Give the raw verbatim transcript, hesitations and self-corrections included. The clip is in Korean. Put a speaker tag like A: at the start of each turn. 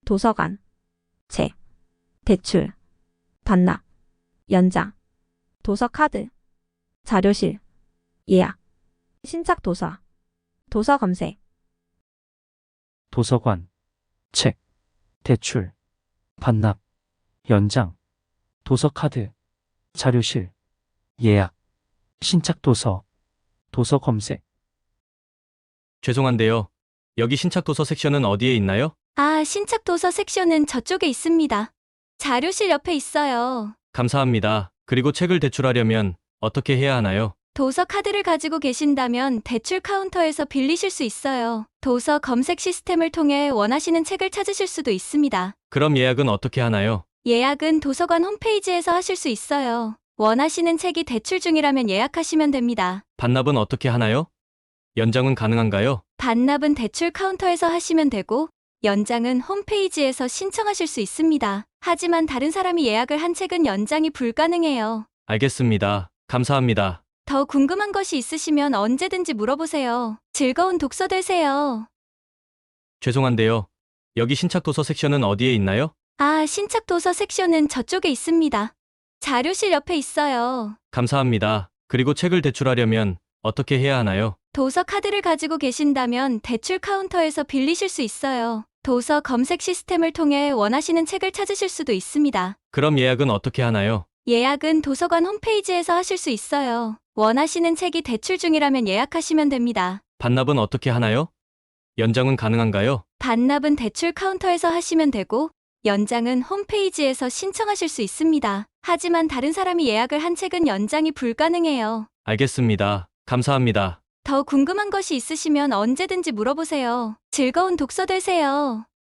A: 도서관, 책, 대출, 반납, 연장, 도서카드, 자료실, 예약, 신작 도서, 도서 검색,
B: 도서관, 책, 대출, 반납, 연장, 도서카드, 자료실, 예약, 신작 도서, 도서 검색.
C: 죄송한데요. 여기 신작 도서 섹션은 어디에 있나요?
D: 아, 신작 도서 섹션은 저쪽에 있습니다. 자료실 옆에 있어요.
C: 감사합니다. 그리고 책을 대출하려면 어떻게 해야 하나요?
D: 도서 카드를 가지고 계신다면 대출 카운터에서 빌리실 수 있어요. 도서 검색 시스템을 통해 원하시는 책을 찾으실 수도 있습니다.
C: 그럼 예약은 어떻게 하나요?
D: 예약은 도서관 홈페이지에서 하실 수 있어요. 원하시는 책이 대출 중이라면 예약하시면 됩니다.
C: 반납은 어떻게 하나요? 연장은 가능한가요?
D: 반납은 대출 카운터에서 하시면 되고, 연장은 홈페이지에서 신청하실 수 있습니다. 하지만 다른 사람이 예약을 한 책은 연장이 불가능해요.
C: 알겠습니다. 감사합니다.
D: 더 궁금한 것이 있으시면 언제든지 물어보세요. 즐거운 독서 되세요.
C: 죄송한데요. 여기 신작 도서 섹션은 어디에 있나요?
D: 아, 신작 도서 섹션은 저쪽에 있습니다. 자료실 옆에 있어요.
C: 감사합니다. 그리고 책을 대출하려면 어떻게 해야 하나요?
D: 도서 카드를 가지고 계신다면 대출 카운터에서 빌리실 수 있어요. 도서 검색 시스템을 통해 원하시는 책을 찾으실 수도 있습니다.
C: 그럼 예약은 어떻게 하나요?
D: 예약은 도서관 홈페이지에서 하실 수 있어요. 원하시는 책이 대출 중이라면 예약하시면 됩니다.
C: 반납은 어떻게 하나요? 연장은 가능한가요?
D: 반납은 대출 카운터에서 하시면 되고, 연장은 홈페이지에서 신청하실 수 있습니다. 하지만 다른 사람이 예약을 한 책은 연장이 불가능해요.
C: 알겠습니다. 감사합니다.
D: 더 궁금한 것이 있으시면 언제든지 물어보세요. 즐거운 독서 되세요.